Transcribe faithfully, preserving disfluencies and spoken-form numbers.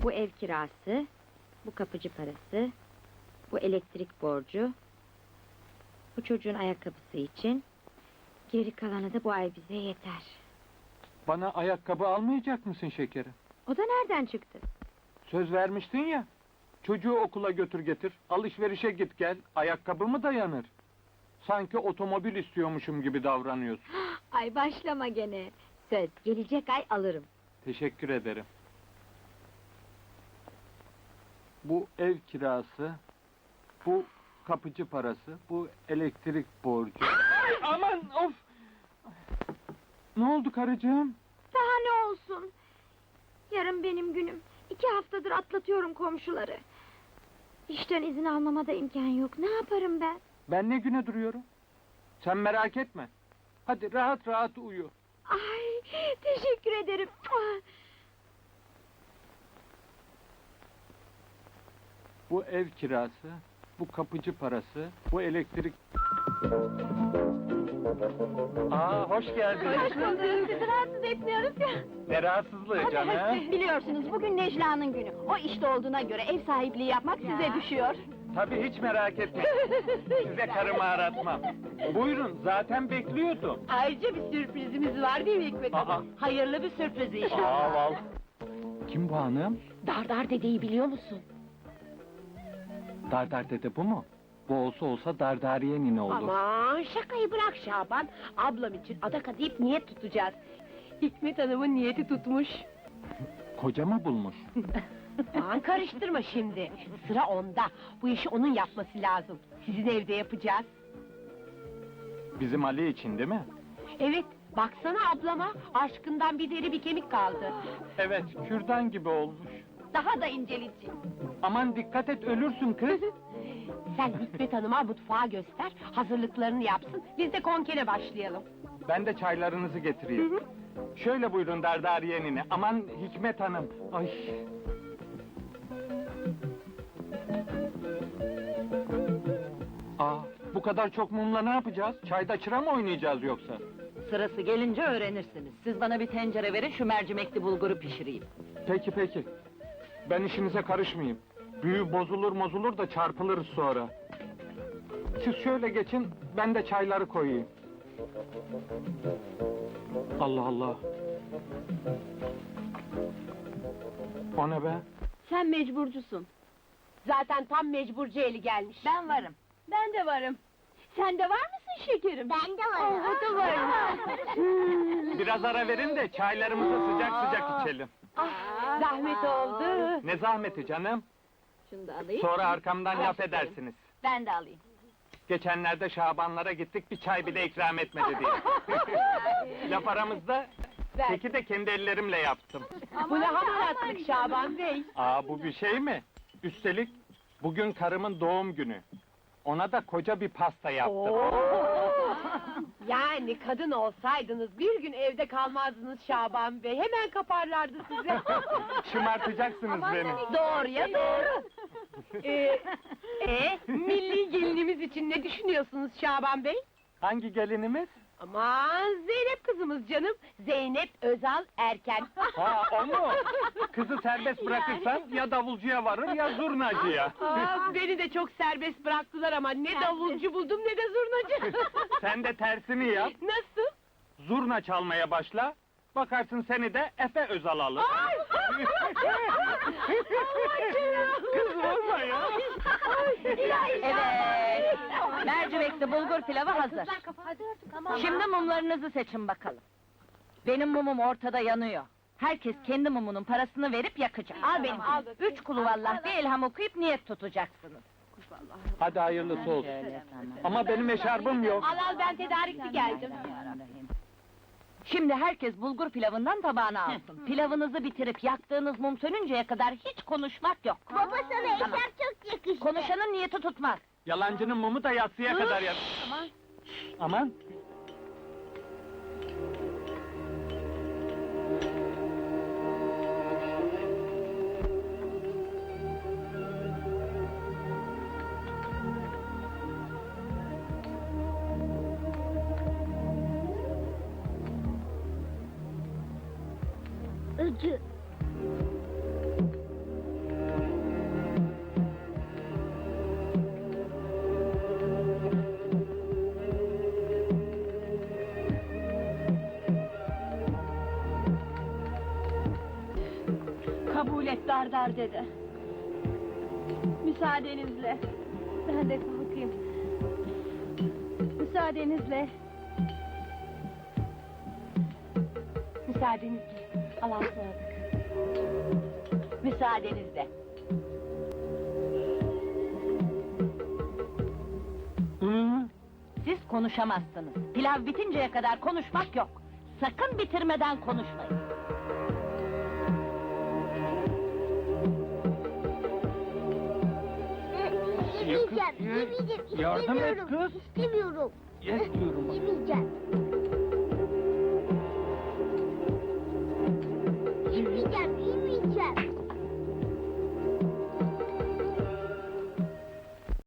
Bu ev kirası, bu kapıcı parası, bu elektrik borcu, bu çocuğun ayakkabısı için, geri kalanı da bu ay bize yeter. Bana ayakkabı almayacak mısın şekerim? O da nereden çıktı? Söz vermiştin ya. Çocuğu okula götür getir, alışverişe git gel, ayakkabı mı dayanır? Sanki otomobil istiyormuşum gibi davranıyorsun. Ay başlama gene. Söz, gelecek ay alırım. Teşekkür ederim. Bu ev kirası, bu kapıcı parası, bu elektrik borcu. Aman of! Ne oldu karıcığım? Daha ne olsun? Yarın benim günüm. İki haftadır atlatıyorum komşuları. İşten izin almama da imkan yok. Ne yaparım ben? Ben ne güne duruyorum? Sen merak etme. Hadi rahat rahat uyu. Ay, teşekkür ederim. Bu ev kirası, bu kapıcı parası, bu elektrik... Aa, hoş geldiniz. Hoş bulduk. Sizi rahatsız etmiyoruz ya. Ne rahatsızlığı canım? Biliyorsunuz bugün Necla'nın günü. O işte olduğuna göre ev sahipliği yapmak size düşüyor. Tabii hiç merak etme. Size karımı aratmam. Buyurun, zaten bekliyordum. Ayrıca bir sürprizimiz var değil mi Hikmet Aa. Hanım? Hayırlı bir sürpriz inşallah. Aa, val. Kim bu hanım? Dardar dedeyi biliyor musun? Dardar dede bu mu? Bu olsa olsa Dardariye nine olur. Aman şakayı bırak Şaban. Ablam için adak adayıp niyet tutacağız. Hikmet Hanım'ın niyeti tutmuş. Koca mı bulmuş? Aman karıştırma şimdi. Sıra onda. Bu işi onun yapması lazım. Sizin evde yapacağız. Bizim Ali için değil mi? Evet, baksana ablama. Aşkından bir deri bir kemik kaldı. Evet, kürdan gibi olmuş. Daha da inceleyecek. Aman dikkat et, ölürsün kız. Sen Hikmet Hanım'a mutfağı göster, hazırlıklarını yapsın, biz de konkene başlayalım. Ben de çaylarınızı getireyim. Şöyle buyurun Dardariye nine. Aman Hikmet Hanım. Ay. Aa, bu kadar çok mumla ne yapacağız? Çayda çıra mı oynayacağız yoksa? Sırası gelince öğrenirsiniz. Siz bana bir tencere verin, şu mercimekli bulguru pişireyim. Peki peki. Ben işinize karışmayayım. Büyü bozulur mozulur da çarpılırız sonra. Siz şöyle geçin, ben de çayları koyayım. Allah Allah. O ne be? Sen mecburcusun. Zaten tam mecburcu eli gelmiş. Ben varım. Ben de varım. Sen de var mısın şekerim? Ben de varım. o da varım. Biraz ara verin de çaylarımızı sıcak sıcak içelim. Ah, zahmet oldu. Ne zahmeti canım? Şunu da alayım. Sonra arkamdan laf edersiniz. Ben de alayım. Geçenlerde Şabanlara gittik, bir çay bile ikram etmedi diye. Laf aramızda, Ver. keki de kendi ellerimle yaptım. Bu ne hamaratlık Şaban Bey? Aa, bu bir şey mi? Üstelik bugün karımın doğum günü. Ona da koca bir pasta yaptım. Yani kadın olsaydınız bir gün evde kalmazdınız Şaban Bey. Hemen kaparlardı size. Şımartacaksınız beni. Doğruya doğru. ee, e, milli gelinimiz için ne düşünüyorsunuz Şaban Bey? Hangi gelinimiz? Aman Zeynep kızımız canım. Zeynep Özal Erken. Ha, o mu? Kızı serbest bırakırsan ya davulcuya varır ya zurnacıya. Aa, beni de çok serbest bıraktılar ama ne davulcu buldum ne de zurnacı. Sen de tersini yap, Nasıl? zurna çalmaya başla. Bakarsın seni de Efe Özal alır. Kız olma ya. Evet. Mercimekli bulgur pilavı hazır. Şimdi mumlarınızı seçin bakalım. Benim mumum ortada yanıyor. Herkes kendi mumunun parasını verip yakacak. Al benim. Üç kulu vallah bir elham okuyup niyet tutacaksınız. Hadi hayırlısı olsun. Şöyle sana. Ama benim eşarbım yok. Al al ben tedarikli geldim. Şimdi herkes bulgur pilavından tabağına alsın. Pilavınızı bitirip yaktığınız mum sönünceye kadar hiç konuşmak yok. Baba sana eşarp çok yakıştı. Konuşanın niyeti tutmaz. Yalancının mumu da yatsıya kadar yak. Aman. Aman. Acı. millet dar dar dedi. Müsaadenizle. Ben de kalkayım. Müsaadenizle. Müsaadenizle. Allah'a ısmarladık. Müsaadenizle. Siz konuşamazsınız. Pilav bitinceye kadar konuşmak yok. Sakın bitirmeden konuşmayın. Yemeyeceğim, yemeyeceğim, Yardım et istemiyorum. kız. İstemiyorum. Yes diyorum. Yemeyeceğim.